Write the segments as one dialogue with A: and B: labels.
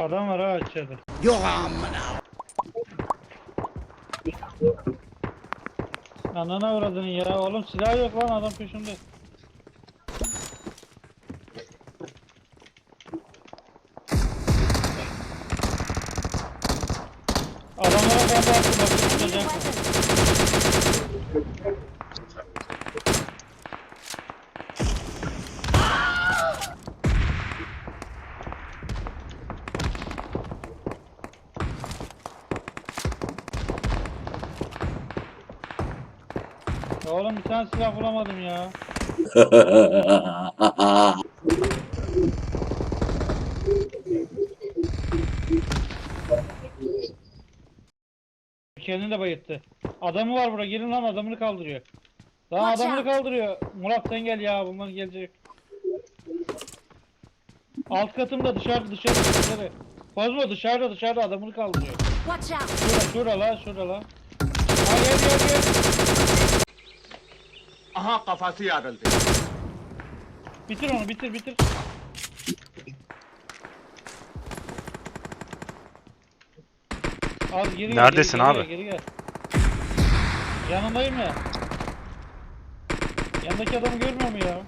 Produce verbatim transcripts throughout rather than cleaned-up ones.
A: Adam var ha içeride.
B: Yok amına.
A: Anana uğradın ya. Oğlum silah yok lan, adam peşimde. Adamlara bomba attı, bak tutacağım. Ya oğlum bir tane silah bulamadım ya. Kendini de bayılttı. Adamı var burada, gelin lan, adamını kaldırıyor. Lan
C: Watch
A: adamını
C: out.
A: kaldırıyor. Murat sen gel ya, bunlar gelecek. Alt katımda, dışarıda dışarıda dışarı. Kozmo dışarıda dışarıda adamını kaldırıyor.
C: Watch out!
A: Şura şura la şura la. Ha gel gel gel.
B: Aha kafası yarıldı.
A: Bitir onu, bitir bitir. Az geri gel,
D: Neredesin
A: geri,
D: abi?
A: Geri, geri gel. Yanındayım ya. Yanındaki adamı görmüyor mu ya?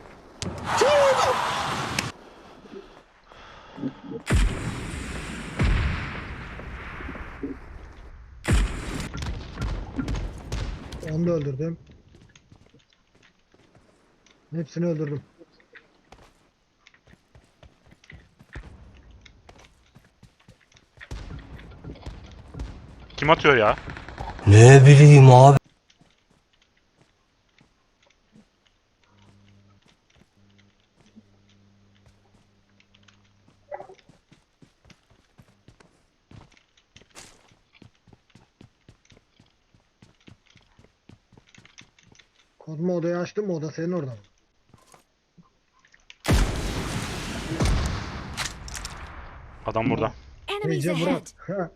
E: Onu da öldürdüm. Hepsini öldürdüm.
D: Kim atıyor ya?
F: Ne bileyim abi.
E: Kozma odayı açtın mı? Oda senin orada mı?
D: Adam burada.
C: Enemies
E: Neyce
C: ahead!
E: Murat. Ha.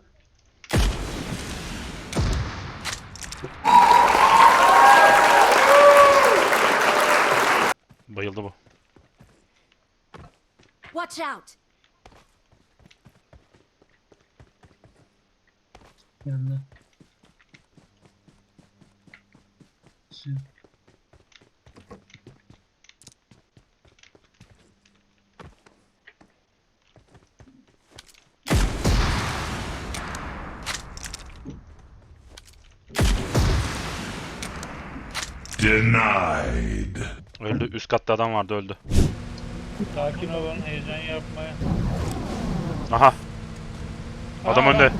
D: Bayıldı bu.
C: Watch out!
G: Yanında. Şu.
H: Denied.
D: Öldü. Üst katta adam vardı, öldü.
A: Sakin olun, heyecan yapmayın.
D: Aha. Adam
A: Aa,
D: önde.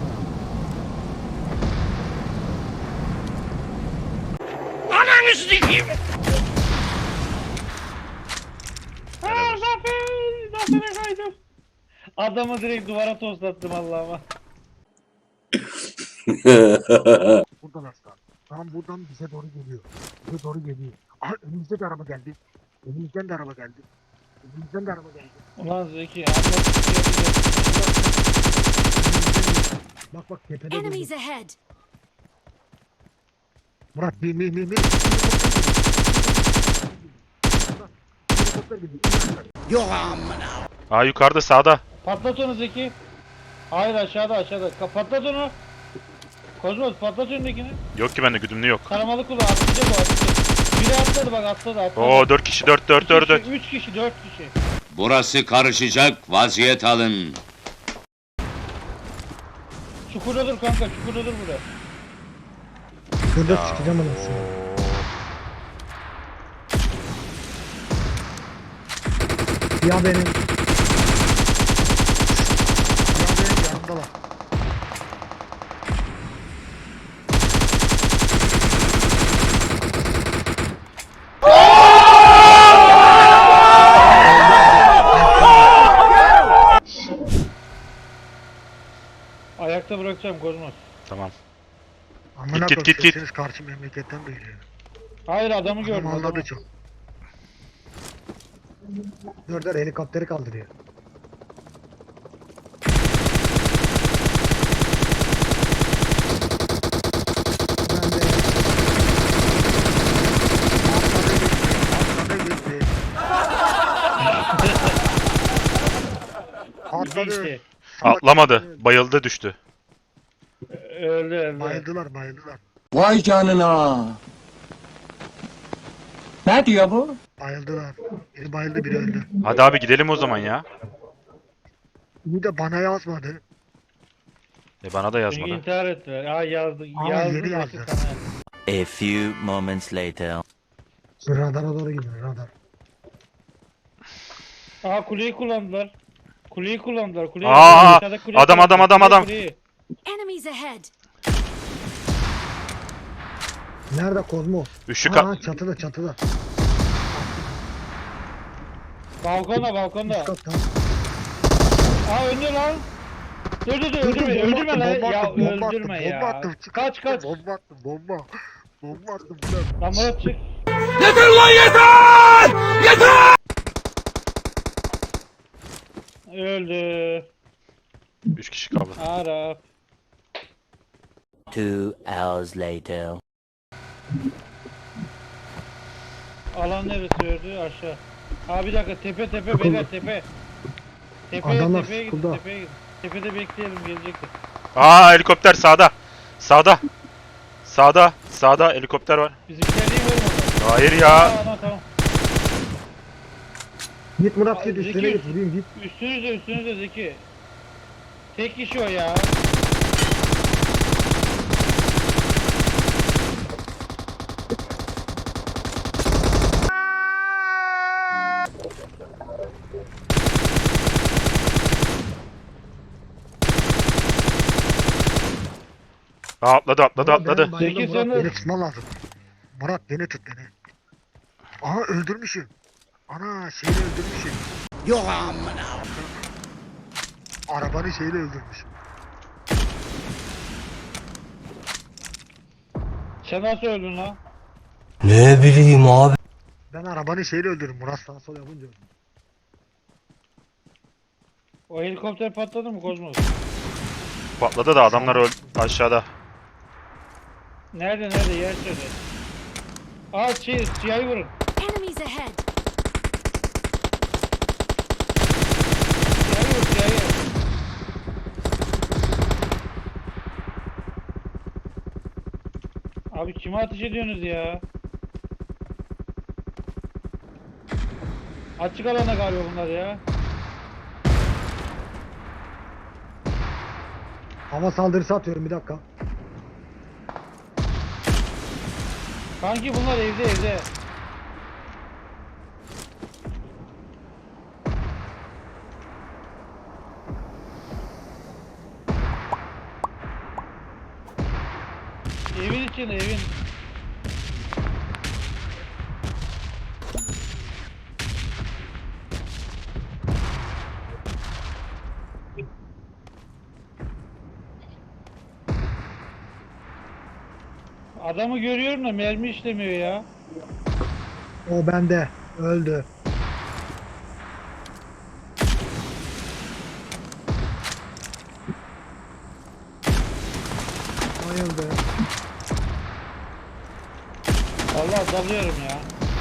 B: Ananı sikeyim.
A: Aa, zafer! Zafer'e kaydım. Adamı direkt duvara toslattım Allah'ıma.
E: Buradan aslan. Tam buradan bize doğru geliyor. Bize doğru geliyor. Aha önümüzde de araba geldi. Önümüzden de araba geldi. Önümüzden de araba geldi.
A: Ulan Zeki, Allah
E: Bak bak tepede
C: Enemies
E: durdu.
C: ahead!
E: Murat bin bin bin bin. Helikopter geliyor.
B: Yok amına.
D: Aa, yukarıda, sağda.
A: Patlat onu Zeki. Hayır aşağıda aşağıda. Ka- Patlat onu. Kozmos patlat önündekini.
D: Yok ki bende, güdümlü yok.
A: Taramalı kullan, atlayacak o, atlayacak. Biri atladı bak, atladı atladı.
D: Oo, dört kişi, dört dört dört dört.
A: Üç kişi, dört kişi.
I: Burası karışacak, vaziyet alın.
A: Çukurda dur kanka, çukurda dur burada.
E: Şurada çıkacağım anasını. Ya benim. Ya benim yanımdalar.
A: Ayakta bırakacağım Kozmos.
D: Tamam.
E: Amına
D: Git, git, git, git.
E: sesiniz karşı memleketten duyuluyor.
A: Hayır adamı gördüm.
E: Adam anladı
A: Adamı.
E: çok. Dur dur helikopteri kaldırıyor. Ben de... Atladı gitti. Atladı gitti.
A: Geçti.
E: salak
D: Atlamadı.
E: öldü.
D: Bayıldı düştü.
A: Öldü öldü.
E: Bayıldılar bayıldılar.
F: Vay canına. Ne diyor bu?
E: Bayıldılar. Biri bayıldı biri öldü.
D: Hadi abi gidelim o zaman ya.
E: Bir de bana yazmadı.
D: E bana da
A: Çünkü
D: yazmadı.
A: intihar ettiler. Aa yazdı.
E: Aa,
A: yazdı.
E: yeni
A: nasıl
E: yazdı.
A: sana?
C: A few moments later.
E: Şu radara doğru gidiyor radar.
A: Aa kuleyi kullandılar. Kuleyi kullandılar. Kuleyi
D: Aa,
A: Aşağıda kuleyi
D: adam, adam,
A: kullandılar.
D: adam, adam.
A: Kuleyi,
H: Enemies ahead!
E: Nerede Kozmo?
D: Üçlü
E: Aa,
D: ka...
E: çatıda çatıda.
A: Balkonda balkonda.
E: Üst katta.
A: Aa öldü lan. Dur dur dur
E: Dur, dur,
A: öldürme
E: bomba
A: öldürme
E: attım,
A: lan.
E: bomba
A: Ya
E: attım, bomba
A: öldürme
E: attım,
A: ya.
E: bomba attım, çık,
A: Kaç
E: çık,
A: kaç.
E: Bomba attım bomba. Bomba attım lan.
A: Lan Murat çık.
F: Yeter lan yeter! Yeter!
A: Öldü.
D: Üç kişi kaldı.
A: Arap.
C: Two hours later.
A: Alan neresi öldü? Aşağı. Aa bir dakika tepe tepe beyler tepe. Tepeye
E: Adamlar
A: tepeye gidin
E: sıkıldı.
A: tepeye gidin. Tepede bekleyelim gelecektir.
D: Aa helikopter sağda. Sağda. Sağda. Sağda helikopter var.
A: Bizimkiler niye vurmadı?
D: Hayır
A: Aa
D: ya.
A: tamam tamam.
E: Git Murat
A: Aa,
E: git üstüne
A: Zeki.
E: git vurayım git.
A: Üstünüzde üstünüzde Zeki. Tek kişi o ya.
D: Aa, atladı atladı
E: Murat,
D: atladı.
E: benim bayıldım,
A: Zeki,
E: Murat
A: sen de-
E: beni tutman lazım. Murat beni tut beni. Aha öldürmüşüm. Ana şeyle öldürmüşüm.
B: Yok amına.
E: Arabanı şeyle öldürmüşüm.
A: Sen nasıl öldün lan?
F: Ne bileyim abi.
E: Ben arabanı şeyle öldürdüm. Murat sağa sol yapınca öldüm.
A: O helikopter patladı mı Kozmos?
D: Patladı da adamlar öl aşağıda.
A: Nerede nerede yer söyle. Aa şey siyahı vurun.
H: Enemies ahead!
A: Siyahı vur siyahı. Abi kime ateş ediyorsunuz ya? Açık alana galiba bunlar ya.
E: Hava saldırısı atıyorum bir dakika.
A: Kanki bunlar evde evde. Evin içinde evin. Adamı görüyorum da mermi işlemiyor ya.
E: O bende. Öldü. Bayıldı.
A: Allah dalıyorum ya.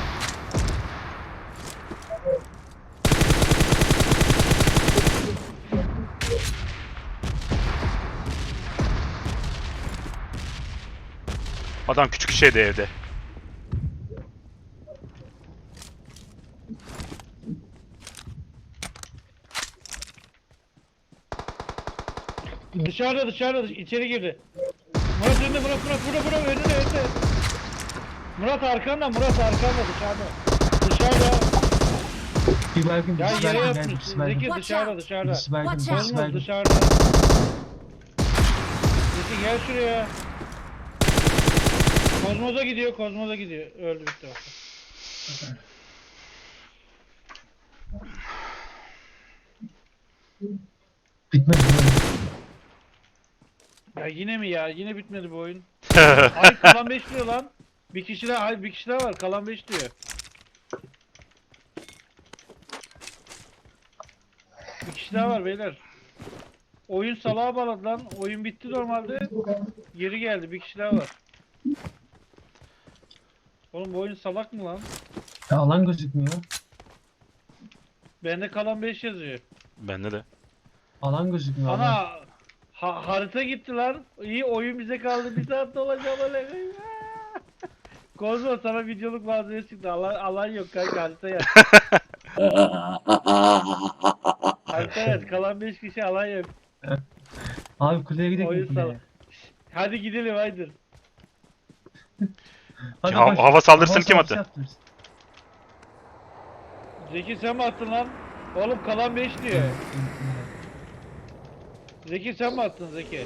D: Adam küçük şeydi evde.
A: Dışarıda dışarıda dış- içeri girdi. Murat önünde Murat Murat Murat Murat önünde önünde. Murat arkanda Murat arkanda dışarıda. Dışarıda.
G: Bir baygın,
A: Ya
G: birisi
A: yere
G: baygın,
A: yatmış.
G: birisi baygın.
A: Zeki
H: Watch
A: dışarıda
H: out.
A: dışarıda.
G: Birisi baygın,
H: Watch
G: birisi
H: out.
A: Kozmos
G: baygın.
A: dışarıda. Zeki gel şuraya. Kozmos'a gidiyor Kozmos'a gidiyor. Öldü bitti o.
G: Bitmedi mi?
A: Ya yine mi ya? Yine bitmedi bu oyun. Ay kalan beş diyor lan. Bir kişi daha, hayır bir kişi daha var. Kalan beş diyor. Bir kişi daha var beyler. Oyun salağa bağladı lan. Oyun bitti normalde. Geri geldi. Bir kişi daha var. Oğlum bu oyun salak mı lan?
G: Ya alan gözükmüyor.
A: Bende kalan beş yazıyor.
D: Bende de.
G: Alan gözükmüyor alan.
A: Ana ha, harita gitti lan. İyi oyun bize kaldı. Bir saat dolacağım öyle. Kozmo sana videoluk malzeme çıktı. Alan, alan yok kanka harita yaz. Harita yaz. Kalan beş kişi alan yok.
G: Abi kuleye gidelim
A: Oyun
G: kuleye.
A: sal. Hadi gidelim haydi.
G: Hadi
D: Ha-
G: koş.
D: hava saldırısını
G: Hava
D: kim
G: saldırısı
D: attı?
G: yaptırırız.
A: Zeki sen mi attın lan? Oğlum kalan beş diyor. Zeki sen mi attın Zeki?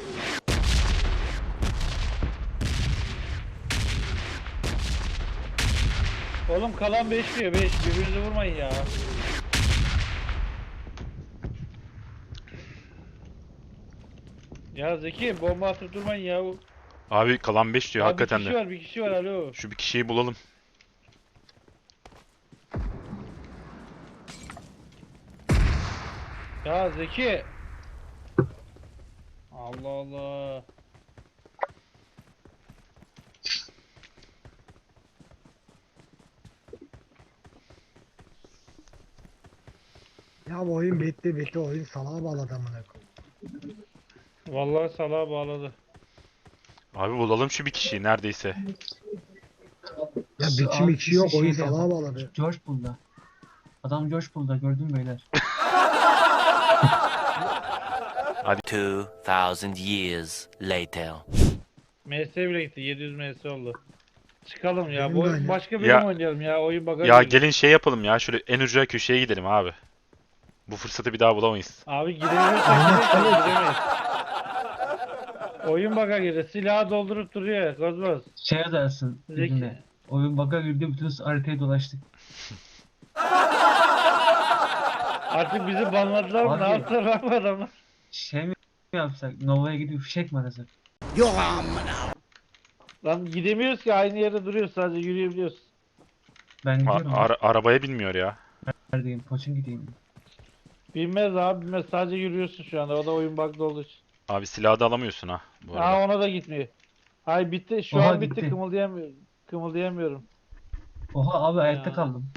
A: Oğlum kalan beş diyor beş. Birbirinizi vurmayın ya. Ya Zeki bomba atıp durmayın ya.
D: Abi kalan beş diyor
A: Abi
D: hakikaten
A: bir kişi
D: de.
A: var bir kişi var alo.
D: Şu bir kişiyi bulalım.
A: Ya Zeki. Allah Allah.
E: Ya bu oyun bitti bitti oyun salağa bağladı amına koyayım.
A: Vallahi salağa bağladı.
D: Abi bulalım şu bir kişiyi neredeyse.
E: Ya biçim
G: Abi
E: içi yok
G: bizi
E: oyun
G: şeyde-
E: salağa bağladı.
G: George Bull'da. Adam George Bull'da gördün beyler.
C: Two thousand years later.
A: M S bile gitti. yedi yüz M S oldu. Çıkalım ya.
E: Benim
A: Bu
E: de
A: oyun
E: aynı.
A: başka bölüm
D: Ya-
A: oynayalım ya. Oyun baga
D: Ya
A: girdi.
D: gelin şey yapalım ya şöyle en ucuna köşeye gidelim abi. Bu fırsatı bir daha bulamayız.
A: Abi gidebilirsek gidelim, gidemeyiz. Oyun baga girdi. Silahı doldurup duruyor. Kozmos.
G: Şey yazarsın
A: Zeki.
G: birine. Oyun bug'a girdi bütün haritayı dolaştık.
A: Artık bizi banladılar mı? Ne
G: Abi.
A: yaptılar lan bu adamlar?
G: Şey mi yapsak? Nova'ya gidip fişek mi arasak?
B: Yok amına.
A: Lan gidemiyoruz ki aynı yerde duruyoruz sadece yürüyebiliyoruz.
G: Ben
D: A-
G: gidiyorum.
D: ara- arabaya binmiyor ya.
G: Neredeyim? Poçun gideyim.
A: Bilmez abi bilmez sadece yürüyorsun şu anda o da oyun bug'da olduğu için.
D: Abi silahı da alamıyorsun ha bu arada.
A: Aa ona da gitmiyor. Hay bitti şu
G: Oha,
A: an bitti,
G: gitti.
A: kımıldayamıyorum. Kımıldayamıyorum.
G: Oha abi ayakta
A: Ya.
G: kaldım.